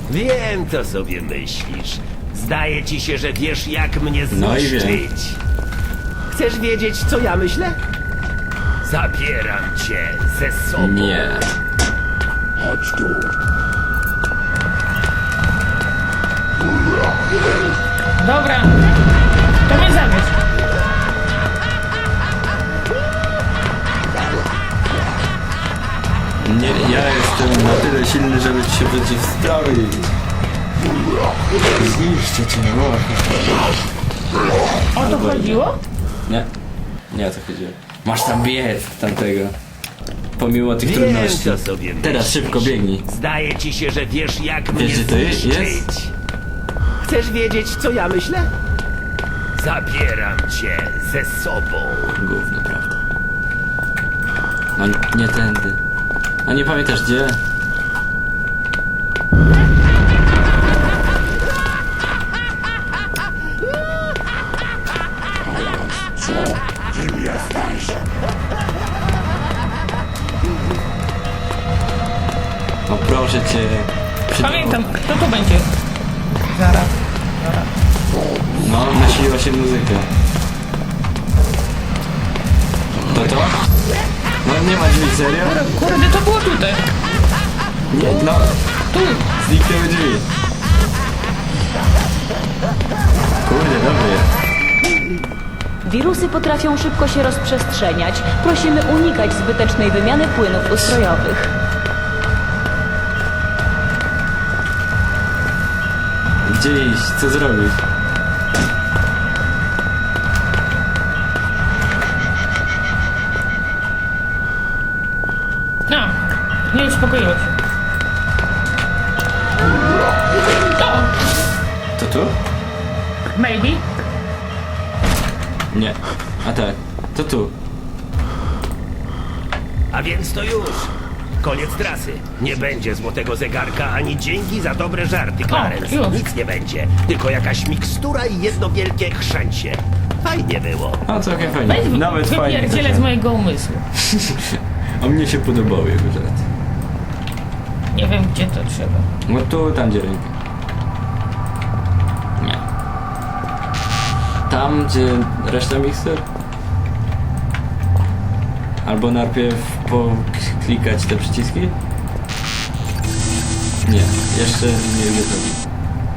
Wiem, co sobie myślisz. Zdaje ci się, że wiesz, jak mnie No i wiem. zniszczyć. Chcesz wiedzieć, co ja myślę? Zabieram cię ze sobą. Nie. Chodź tu. Dobra. To mnie zabierz. Nie, ja jestem na tyle silny, żeby ci się przeciwstawić. Zniszczę cię, O to chodziło? Nie, nie o to chodziło. Masz tam biec tamtego. Pomimo tych Wiem, trudności. co sobie myślisz. Teraz szybko biegnij. Zdaje ci się, że wiesz, jak mnie gdzie to jest? zniszczyć. Chcesz wiedzieć, co ja myślę? Zabieram cię ze sobą. Gówno, prawda. No nie tędy. A nie pamiętasz gdzie? Kim jesteś? No proszę cię. Pamiętam, kto to będzie? Zaraz. No, nasiliła się muzyka. To? No nie ma drzwi, serio? Kurde, to było tutaj. Nie, no. Tu. Zniknęły drzwi. Kurde, dobry. Wirusy potrafią szybko się rozprzestrzeniać. Prosimy unikać zbytecznej wymiany płynów ustrojowych. Gdzie iść? Co zrobić? No. Nie uspokoiło się. To. To tu? Maybe. Nie. A tak. To tu. A więc to już. Koniec trasy. Nie będzie złotego zegarka, ani dzięki za dobre żarty, Clarence. już. Nic nie będzie. Tylko jakaś mikstura i jedno wielkie chrzęcie. Fajnie było. A całkiem fajnie. Weź Nawet fajnie. wypierdzielę z mojego umysłu. A mnie się podobały jego żarty. Nie wiem, gdzie to trzeba. No tu, tam gdzie ręka. Nie. Tam, gdzie reszta mikstur? Albo najpierw klikać te przyciski? Nie, jeszcze nie wiem.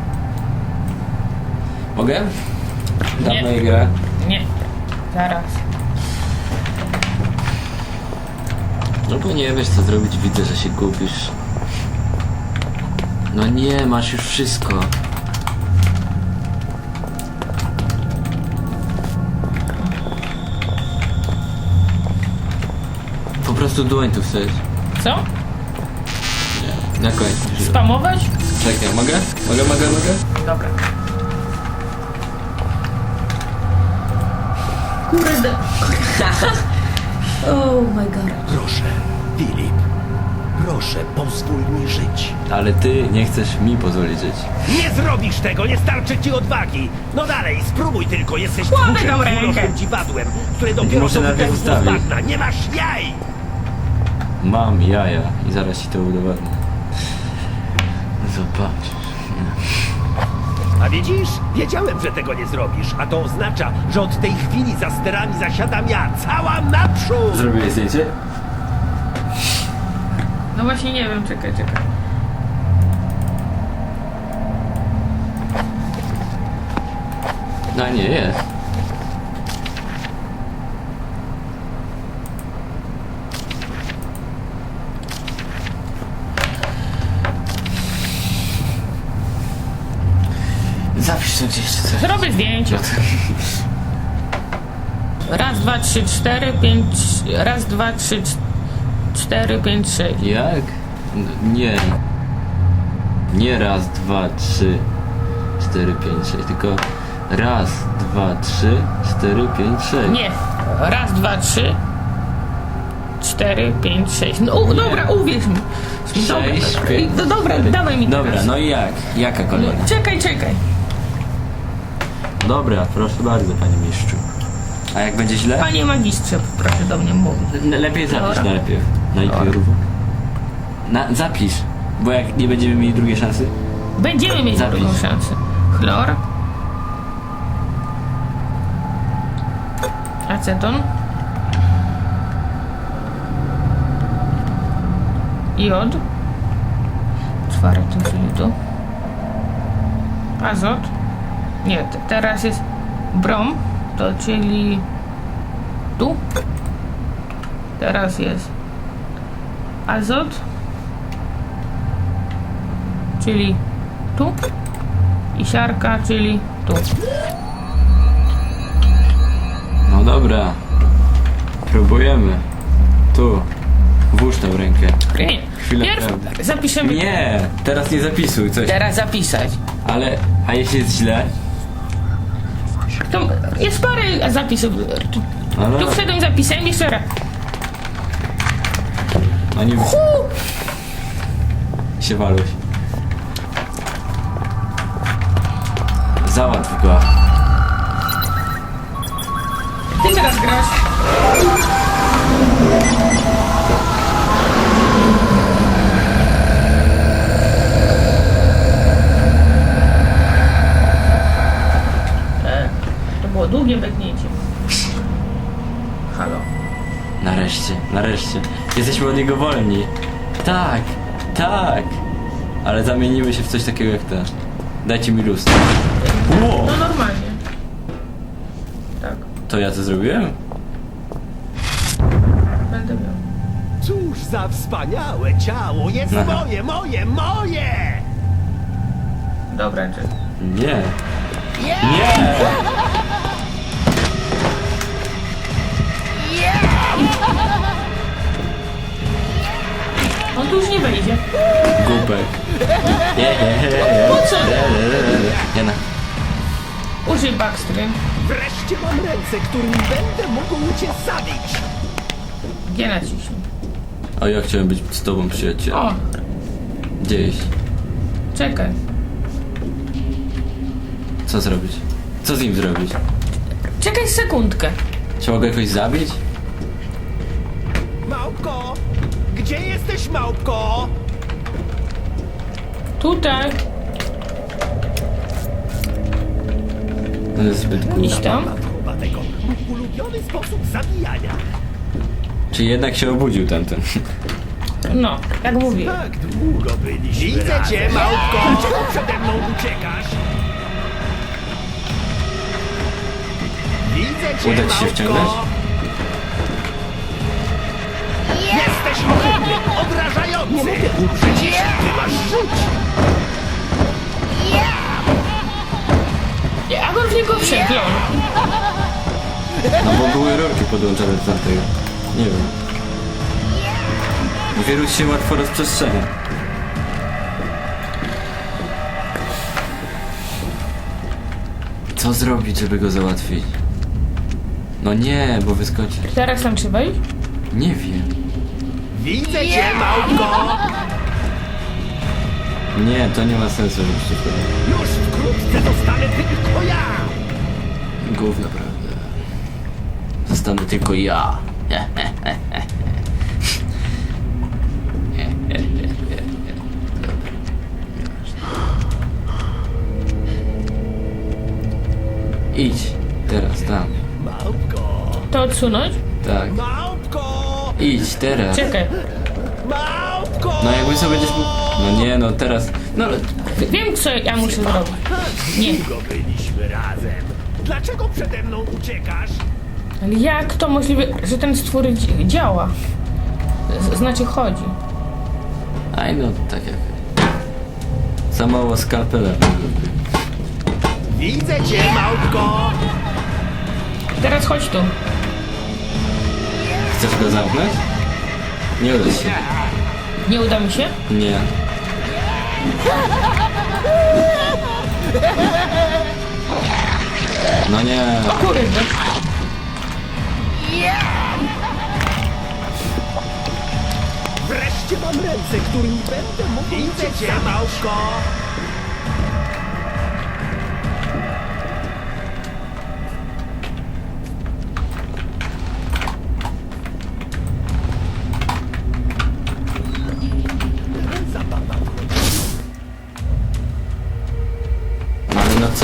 Mogę? Dawno Nie. grę. Nie. Zaraz. No bo nie wiesz co zrobić, widzę, że się gubisz. No nie, masz już wszystko. Po prostu dłoń tu wstać. Co? Nie, na końcu. Spamować? Czekaj, mogę? Mogę? Dobra. Kurde. Oh my god. Proszę, Filip. Proszę, pozwól mi żyć. Ale ty nie chcesz mi pozwolić żyć. Nie zrobisz tego, nie starczy ci odwagi. No dalej, spróbuj tylko, jesteś Kładę tchórzem tą i rękę. urosłym dziwadłem, które dopiero Muszę co najpierw wypełzło z ustawić. bagna. Nie masz jaj! Mam jaja i zaraz ci to udowodnię. Zobacz. A widzisz? Wiedziałem, że tego nie zrobisz, a to oznacza, że od tej chwili za sterami zasiadam ja, cała naprzód! Zrobiłeś zdjęcie? No właśnie nie wiem, czekaj. No nie, jest. Zapisz to gdzieś czy coś. Zrobię zdjęcie. Raz, dwa, trzy, cztery, pięć. Raz, dwa, trzy, cztery, pięć, sześć. Jak? Nie. Nie raz, dwa, trzy, 4, 5, 6, tylko raz, 2, 3, 4, 5, 6. Nie. Raz, dwa, trzy, 4, 5, 6. No dobra, uwierz mi. 6, Dobra, 5, no dobra, 4. dawaj mi Dobra, teraz. no i jak? Jaka kolejna? Czekaj. Dobra, proszę bardzo, panie mistrzu. A jak będzie źle? Panie magistrze, proszę do mnie mówić. Lepiej zapisz Dobra. najpierw. Zapisz. Bo jak nie będziemy mieli drugiej szansy? Będziemy mieć Zapisz. drugą szansę. Chlor. Aceton. Jod. Czwarty, czyli tu. Azot. Nie, teraz jest brom, to czyli tu. Teraz jest azot, czyli tu. I siarka, czyli tu. No dobra. Próbujemy. Tu. Włóż tą rękę. Nie. Chwilę Pierw prawdy. zapiszemy. Nie! Teraz nie zapisuj coś. Teraz zapisać. Ale, a jeśli jest źle? To jest parę zapisów. No Tu dobra. wszedłem zapisem jeszcze raz. No nie się waluś. Załatw go. Ty teraz grasz. To było długie beknięcie. Halo. Nareszcie, nareszcie. Jesteśmy od niego wolni. Tak, tak. Ale zamienimy się w coś takiego jak te. Dajcie mi lustro. Wow. No normalnie. Tak, To ja to zrobiłem? będę miał. Cóż za wspaniałe ciało! Jest Aha. moje! Dobra, czy... Nie. Nie! On tu już nie wejdzie. Głupek. Po co? Jana. Użyj backstream. Wreszcie mam ręce, którymi będę mógł cię zabić! G naciśnij. O, ja chciałem być z tobą, przyjaciel. O, Gdzieś. czekaj. Co zrobić? Co z nim zrobić? Czekaj sekundkę. Trzeba go jakoś zabić? Małpko! Gdzie jesteś, małpko? Tutaj. On jest zbyt głupi. Iść tam. Matkowanego, mój ulubiony sposób zabijania. Czy jednak się obudził tamten? No, jak mówię. Tak długo byliśmy Widzę cię, małpko! Dlaczego przede mną uciekasz? Widzę cię, Uda ci się małpko! wciągnąć? Jesteś ohydny, obrażający! Nie mogę umrzeć, jeśli ty masz żyć! Jak on w niego przeklął? No bo były rurki podłączone do tamtego. Nie wiem. Wirus się łatwo rozprzestrzenia. Co zrobić, żeby go załatwić? No nie, bo wyskoczy. Teraz tam trzeba iść? Nie wiem. Widzę cię, małpko! Nie, to nie ma sensu, żebyś się wtedy... Już wkrótce zostanę tylko ja! Gówno, prawda? Zostanę tylko ja. Idź, teraz, tam. Małpko! To odsunąć? Tak. Małpko! Idź, teraz. Czekaj. Małpko! No jakby sobie będziesz mógł... No nie, no teraz... No ale... Wiem, co ja muszę zrobić. Nie. Długo byliśmy razem. Dlaczego przede mną uciekasz? Ale jak to możliwe, że ten stwór działa? Znaczy chodzi. Aj no, tak jak... Za mało skalpela. Widzę cię, małpko! Teraz chodź tu. Chcesz go zamknąć? Nie uda się. Nie uda mi się? Nie. No nie. Kurde. Wreszcie mam ręce, którymi będę mógł Widzę cię, małpko! Zabawa. co?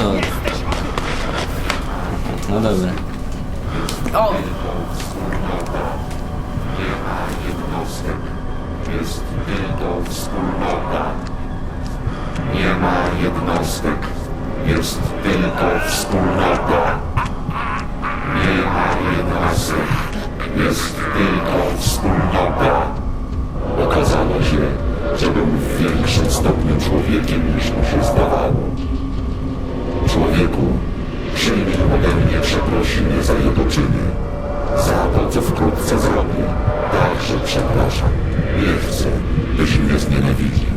No dobra. O! Jednostek jest tylko wspólnota. Nie ma jednostek, jest tylko wspólnota. Nie ma jednostek, jest tylko wspólnota. Okazało się, że był w większym stopniu człowiekiem niż mu się zdawało. Człowieku, przyjmij ode mnie przeprosiny za jego czyny. Za to, co wkrótce zrobię. Także przepraszam. Nie chcę, byś mnie znienawidził.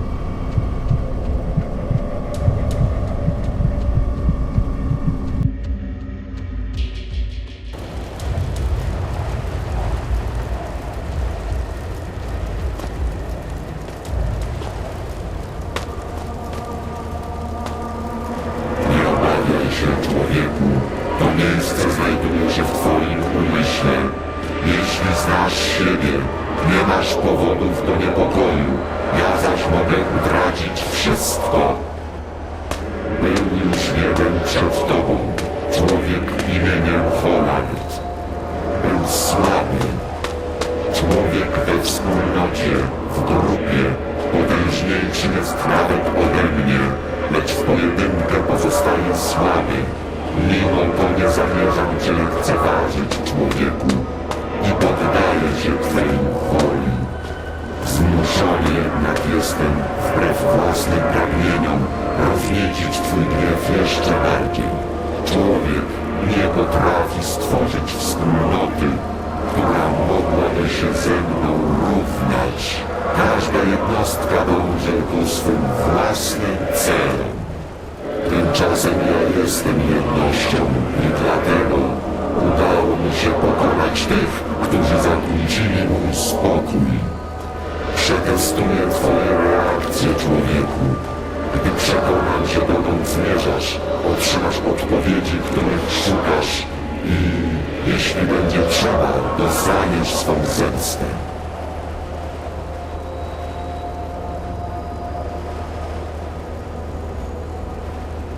Nie obawiaj się, człowieku. To miejsce znajduje się w twoim umyśle. Jeśli znasz siebie, nie masz powodów do niepokoju. Ja zaś mogę utracić wszystko. Był już jeden przed tobą. Człowiek imieniem Holland. Był słaby. Człowiek we wspólnocie, w grupie. Potężniejszy jest nawet ode mnie, lecz w pojedynkę pozostaje słaby. Mimo to nie zamierzam cię lekceważyć, człowieku, i poddaję się twej woli. Zmuszony jednak jestem, wbrew własnym pragnieniom, rozniecić twój gniew jeszcze bardziej. Człowiek nie potrafi stworzyć wspólnoty, która mogłaby się ze mną równać. Każda jednostka dąży ku swym własnym celom. Tymczasem ja jestem jednością i dlatego udało mi się pokonać tych, którzy zakłócili mój spokój. Przetestuję twoje reakcje, człowieku. Gdy przekonam się, dokąd zmierzasz, otrzymasz odpowiedzi, których szukasz i, jeśli będzie trzeba, dostaniesz swą zemstę.